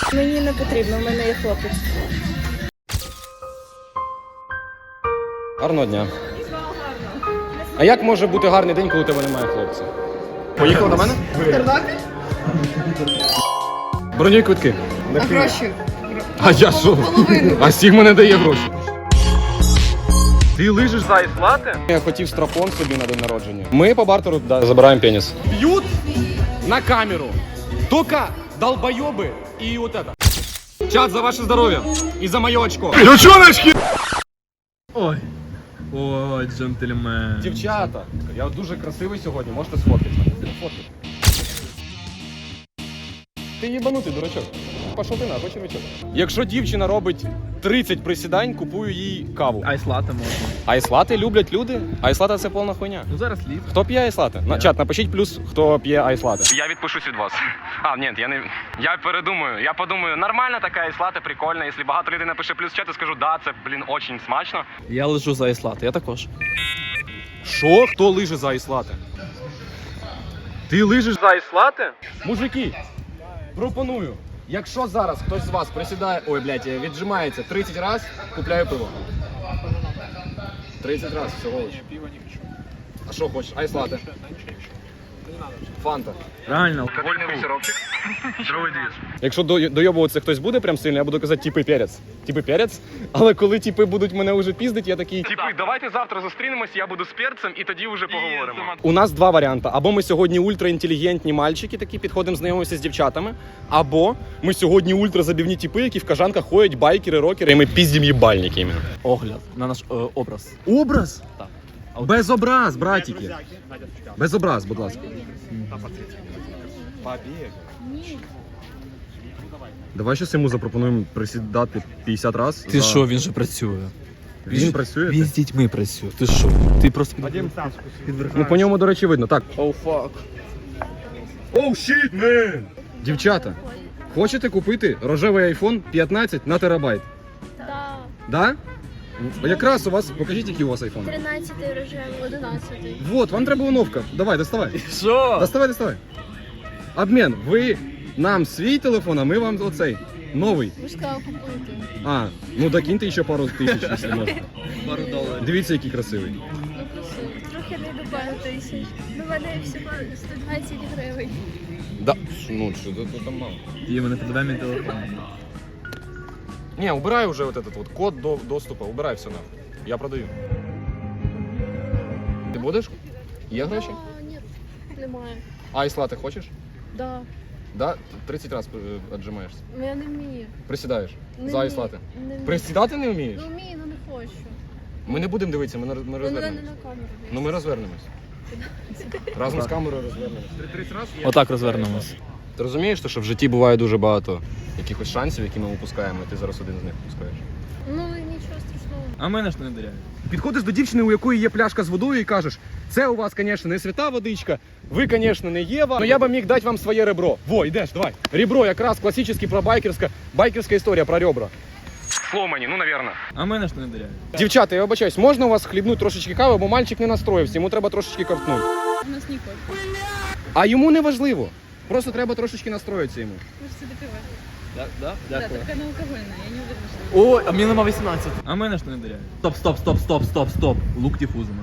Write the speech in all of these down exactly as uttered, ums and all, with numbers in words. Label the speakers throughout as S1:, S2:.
S1: Мені не потрібно, в мене є хлопець.
S2: Гарного дня. А як може бути гарний день, коли у тебе немає хлопця? Поїхали до мене?
S3: Тернопіль?
S2: Бронюй квитки.
S3: А гроші?
S2: А я що?
S3: Половину.
S2: А Сігма не дає гроші. Ти лижиш за айслати? Я хотів страпон собі на день народження. Ми по бартеру да, забираємо пеніс. Б'ють на камеру. Тільки долбойоби і от это. Чат, за ваше здоров'я. І за моє очко. Ключоночки!
S4: Ой. Ой, джентльмен.
S2: Дівчата, я дуже красивий сьогодні, можете сфоткати мене. Фоткати. Ти їбанутий, дурачок. Пішов ти нахуй, червячок. Якщо дівчина робить тридцять присідань, купую їй каву.
S4: Айслати можна.
S2: Айслати люблять люди. Айслати – це повна хуйня.
S4: Ну зараз літ.
S2: Хто п'є айслати? На чат, напишіть плюс, хто п'є айслати. Я відпишусь від вас. А, ні, я не... Я передумаю. Я подумаю, нормальна така айслати, прикольна. Якщо багато людей напише плюс в чат, я скажу, да, це, блін, очень смачно.
S4: Я лежу за айслати, я також.
S2: Що? Хто лиже за айслати? Ти лижеш за айслати? Мужики, пропоную. Якщо зараз хтось з вас присідає, ой, блядь, віджимається тридцять разів, купляю пиво. тридцять разів всього лиш. А що хочеш? Айслати. Фанта.
S4: Реально.
S2: Вольний сиропчик. Якщо до- дойобуватися хтось буде прям сильно, я буду казати типи перець. Типи перець. Але коли типи будуть мене вже піздить, я такий... Типи, давайте завтра зустрінемось, я буду з перцем і тоді вже поговоримо. У нас два варіанти. Або ми сьогодні ультраінтелігентні мальчики, такі підходимо, знайомимося з дівчатами. Або ми сьогодні ультразабівні типи, які в кажанках ходять, байкери, рокери, і ми піздім їбальники. Іменно.
S4: Огляд на наш е, образ.
S2: Образ?
S4: Так.
S2: Без образ, братики. Без образ, будь ласка. Давай щось йому запропонуємо присідати п'ятдесят разів.
S4: Ти
S2: за...
S4: що, він же працює.
S2: Він працює?
S4: Він з дітьми працює. Ти що? Ти просто під...
S2: Ну по ньому, до речі, видно. Так.
S4: Oh fuck.
S2: Oh shit, man! Дівчата, хочете купити рожевий айфон п'ятнадцять на терабайт?
S5: Да.
S2: Да? Якраз у вас, покажіть, який у вас айфон.
S5: тринадцятий рожевий, одинадцятий.
S2: Вот, вам треба оновка. Давай, доставай.
S4: Що?
S2: Доставай, доставай. Обмен. Ви нам свій телефон, а ми вам оцей. Новий.
S5: Ви ж сказали купити.
S2: А, ну докиньте ще пару тисяч, якщо можна.
S4: Пару доларів.
S2: Дивіться, який красивий.
S5: Ну красиво. Трохи не до пару тисяч. Ну, в мене всього сто двадцять гривень.
S2: Да. Ну, що тут там мало.
S4: І мене подавай мій телефон.
S2: Не, убирай уже вот этот вот код до доступа, убирай все нахуй. Я продаю. Ти будеш? Є гроші?
S5: А, ні, немає.
S2: Айслати хочеш?
S5: Да.
S2: Да? тридцять разів віджимаєшся.
S5: Ну я не вмію.
S2: Присідаєш.
S5: Не
S2: За
S5: вмію.
S2: айслати.
S5: Не вмію.
S2: Присідати не вмієш?
S5: Ну вмію, ну не хочу.
S2: Ми не будемо дивитися, ми, на- ми
S5: Ну, не, не
S2: розвернемось.
S5: на камеру.
S2: Ну ми розвернемось. Разом з камерою розвернемось. тридцять разів?
S4: Отак розвернемось.
S2: Ти розумієш, що в житті буває дуже багато якихось шансів, які ми упускаємо, і ти зараз один з них упускаєш?
S5: Ну нічого страшного.
S4: А мене ж не довіряють.
S2: Підходиш до дівчини, у якої є пляшка з водою, і кажеш: це у вас, звісно, не свята водичка, ви, звісно, не Єва, але я би міг дати вам своє ребро. Во, йдеш, давай. Ребро якраз класичний про байкерська, байкерська історія про ребра. Сломані, ну, навірно.
S4: А мене ж не довіряють.
S2: Дівчата, я вибачаюсь, можна у вас хлібнути трошечки кави, бо мальчик не настроївся, йому треба трошечки ковтнути.
S5: У нас ніколи.
S2: А йому не важливо. Просто треба трошечки настроїтися йому.
S5: Ви ж собі пиво.
S4: Да, да?
S5: Да,
S4: Дякую.
S5: така не алкогольна, я не уверена, що...
S4: Ой, а мені нема вісімнадцять. А мене ж не довіряють. Стоп, стоп, стоп, стоп, стоп, стоп. Лук дифузами.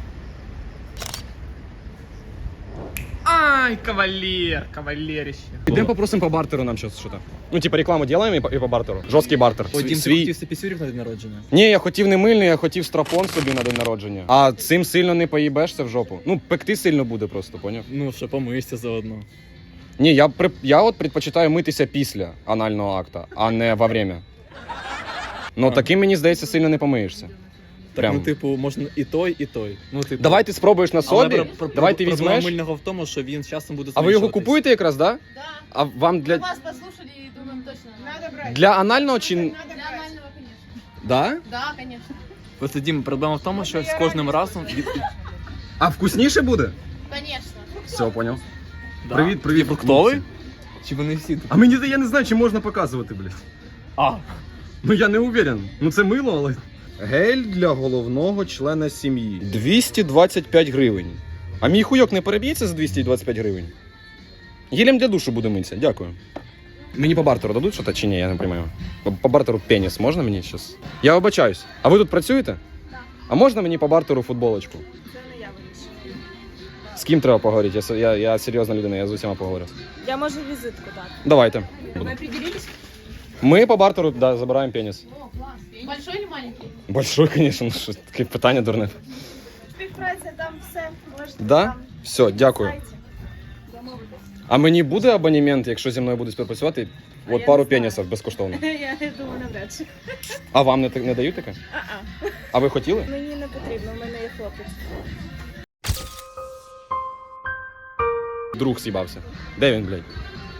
S4: Ай, кавалер, кавалерище.
S2: Ідемо попросимо по бартеру нам щось. Що-то. Ну, типа рекламу робимо і по, і по бартеру. Жорсткий бартер.
S4: Ой,
S2: Свій-
S4: Дім, ти
S2: свій...
S4: хотів сепісюрів на день народження?
S2: Ні, я хотів не мильний, я хотів страпон собі на день народження. А цим сильно не поїбешся в жопу. Ну, пекти сильно буде просто, поняв?
S4: Ну, що, помийся заодно.
S2: Ні, я, при... я от предпочитаю митися після анального акта, а не во время. Ну,
S4: А.
S2: таким, мені здається, сильно не помиєшся.
S4: Так,
S2: Прям.
S4: ну, типу, можна і той, і той. Ну, типу.
S2: Давай ти спробуєш на
S4: Але
S2: собі,
S4: про- про-
S2: давай ти
S4: проблема
S2: візьмеш.
S4: мильного в тому, що він з часом буде
S2: А ви його
S4: зменшуватись.
S2: купуєте якраз, да?
S5: Да.
S2: А вам для,
S5: Вас послушали и думаем точно. Надо брать.
S2: для анального чи...
S5: Для анального, конечно.
S2: Да?
S5: Да, конечно.
S4: Просто, Дім, проблема в тому, що з кожним разом від...
S2: А вкусніше буде?
S5: Конечно.
S2: Все, поняв.
S4: Да.
S2: Привіт, привіт.
S4: Ти фруктовий? Чи вони всі такі?
S2: А мені я не знаю, чи можна показувати, блядь.
S4: А,
S2: Ну я не уверен. Ну це мило, але. Гель для головного члена сім'ї. двісті двадцять п'ять гривень. А мій хуйок не переб'ється за двісті двадцять п'ять гривень? Гелем для душу буде митися, дякую. Мені по бартеру дадуть щось чи ні, я не розумію. По, по бартеру пеніс можна мені зараз? Я вибачаюсь. А ви тут працюєте?
S5: Так.
S2: А можна мені по бартеру футболочку?
S5: Це не я вирішую.
S2: З ким треба поговорити? Я, с- я, я серйозна людина, я з усіма поговорю.
S1: Я можу візитку дати.
S2: Давайте.
S5: Ви определились?
S2: Ми по бартеру, да, забираємо пеніс.
S5: О, клас. Большой или маленький?
S2: Большой, звісно, ну що таке питання дурне.
S5: Співпраця, там все. Можете
S2: Да?
S5: там
S2: Все, дякую.
S5: на сайті домовитись.
S2: А мені буде абонемент, якщо зі мною будуть співпрацювати?
S1: А
S2: От
S1: я
S2: пару
S1: не знаю.
S2: пенісів безкоштовно.
S1: Я думаю, навряд чи.
S2: А вам не, та- не дають таке?
S1: А-а.
S2: А ви хотіли?
S1: Мені не потрібно, в мене є хлопець.
S2: Друг з'їбався. Де він, блядь?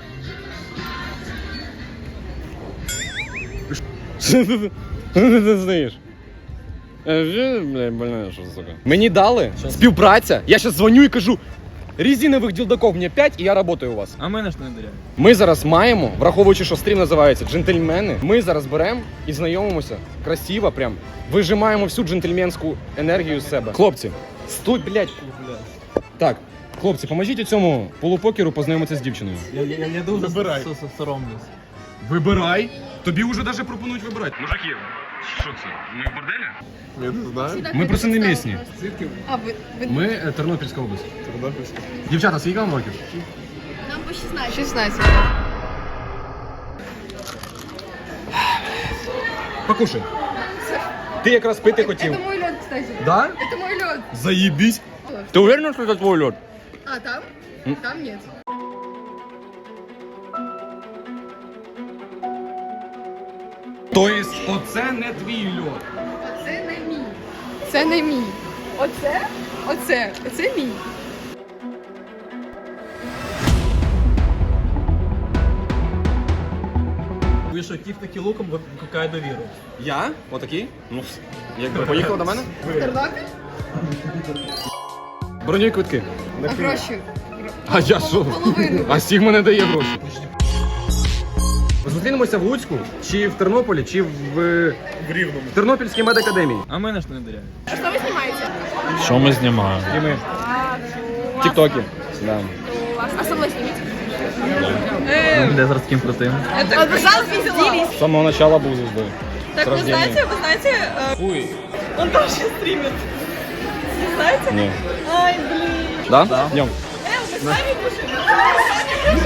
S2: Що ти ти знаєш? Блядь, больна, що сука. Мені дали співпраця. Я зараз дзвоню і кажу: резинових ділдаков мені п'ять і я працюю у вас.
S4: А мене ж не довіряють.
S2: Ми зараз маємо, враховуючи, що стрім називається «Джентльмени», ми зараз беремо і знайомимося красиво, прям вижимаємо всю джентльменську енергію з себе. Хлопці, стой, блядь. Так, хлопці, поможіть цьому полупокеру познайомитися з дівчиною.
S4: Я, я, я дуже
S2: Вибирай.
S4: со- со- соромлюсь.
S2: Вибирай. Тобі вже навіть пропонують вибирати. Мужики, що це? Ми в борделі?
S3: Я не знаю.
S2: Ми просто не місні.
S5: А, ви, ви...
S2: Ми е, Тернопільська область.
S3: Тернопільська.
S2: Дівчата, скільки вам років?
S5: Нам по шістнадцять. шістнадцять.
S2: Покушай. Ти якраз пити хотів.
S5: Это мой лед, кстати.
S2: Да?
S5: Это мой лед.
S2: Заебись. Ти уверена, що це твій льод?
S5: А, там?
S2: М.
S5: Там нет.
S2: Тобто, оце не твій льод.
S5: Оце не мій. Це не мій. Оце? Оце. Це мій.
S4: Вийшов тіп таки луком, викликає довіру.
S2: Я? Отакий? Ну, якби поїхав до мене?
S5: Тернопіль?
S2: Бронюй квитки.
S5: А гроші?
S2: А я що?
S5: Половину.
S2: А Сігма не дає гроші. Зустрінемося в Луцьку, чи в Тернополі, чи в,
S3: В Рівному.
S2: в Тернопільській медакадемії.
S4: А мене ж не довіряють.
S5: Що ви знімаєте?
S6: Що ми знімаємо?
S2: І ми. Тіктоки. Да.
S5: А со мною зніміть?
S4: Де зараз ким крутим?
S5: А, пожалуйста, сделай.
S2: З самого начала був звездою.
S1: Так,
S2: С
S1: вы
S2: рождения.
S1: знаете, вы знаете, э,
S2: Фуй.
S1: он тоже стримит. Не знаете?
S2: Ні.
S1: Ай, блин.
S2: Да? Да. Йдем.
S1: Э, мы сами кушаем.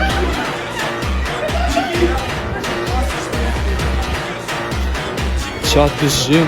S6: Чат біжим.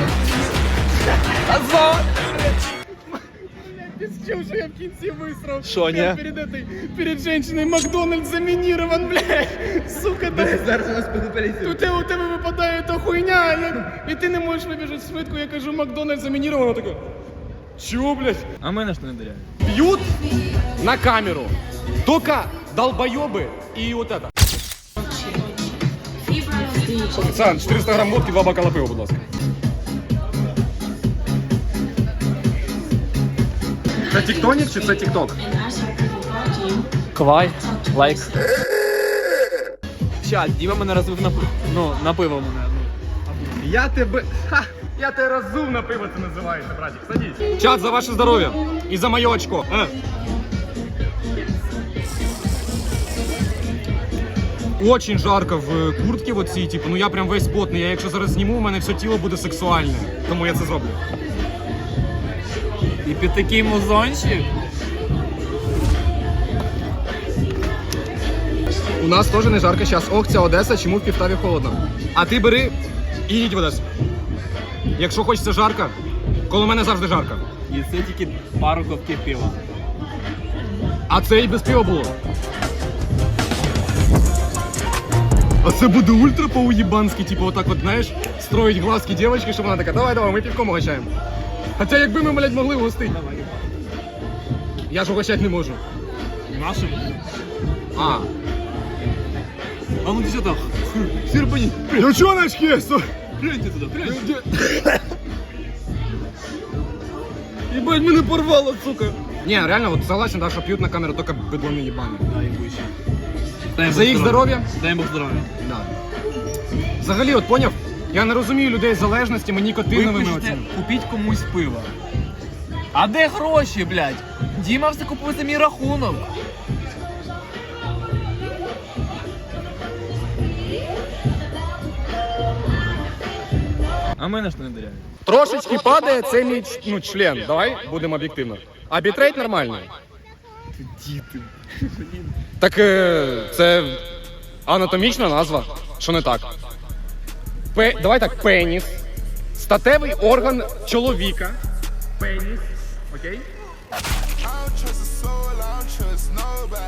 S2: Что я в кінці висрав?
S6: Що, ні?
S2: Перед этой, перед женщиной Макдональдс заминирован, блядь. Сука, да.
S4: Зараз у нас підопеліцію.
S2: У тебе, у тебе випадає та хуйня, я- і ти не можеш вибіжати швидко, я кажу, Макдональдс замінірований, вона така, чого, блядь?
S4: А мене ж не довіряють.
S2: Бьют на камеру только долбоебы и вот это. Официант, чотириста грам водки, два бокала пива, будь ласка. Це тіктонік чи це тікток?
S6: Квай, лайк.
S4: Чат, Діма мене розвив на, пи- ну, на пиво мене. Ну.
S2: Я тебе... Ха! Я тебе разум на пиво це називається, братик. Садись. Чат, за ваше здоров'я. І за моє очко. Е. Очень жарко в куртці в оцій, типу, ну я прям весь потний. Я якщо зараз зніму, у мене все тіло буде сексуальне. Тому я це зроблю.
S6: І під такий музончик.
S2: У нас теж не жарко зараз. Ох, ця Одеса, чому в Півтаві холодно. А ти бери і їдь в Одесу. Якщо хочеться жарко, коло мене завжди жарко.
S6: І це тільки пару ковтків пива.
S2: А це і без пива було. А це буде ультра по-уєбанськи, типу, отак от, знаєш, строїть глазки дівчинки, щоб вона така, давай, давай, ми півком угощаємо. Хоча якби ми, блядь, могли угостити. Я ж угощати не можу.
S6: Нашим.
S2: А.
S6: А ну ти що там?
S2: Сірпані. Девчоночки!
S6: Гляньте туди, гляньте.
S2: Ебать, мене порвало, сука. Не, реально, вот согласен, да, что пьют на камеру только быдлоны ебаные.
S6: Да, і вище. Дай
S2: За їх здоров'я?
S6: Дай Бог здоров'я.
S2: Да. Взагалі, от поняв, я не розумію людей з залежностями, нікотиновими
S6: Випишіть,
S2: оцими.
S6: купіть комусь пиво. А де гроші, блядь? Діма все купив за мій рахунок.
S4: А мене ж не довіряють.
S2: Трошечки падає, це мій ну, член. Давай будемо об'єктивно. А бітрейт нормальний.
S4: Діти.
S2: Так е, це анатомічна назва. Що не так? Пе, давай так, пеніс. Статевий орган чоловіка. Пеніс. Окей?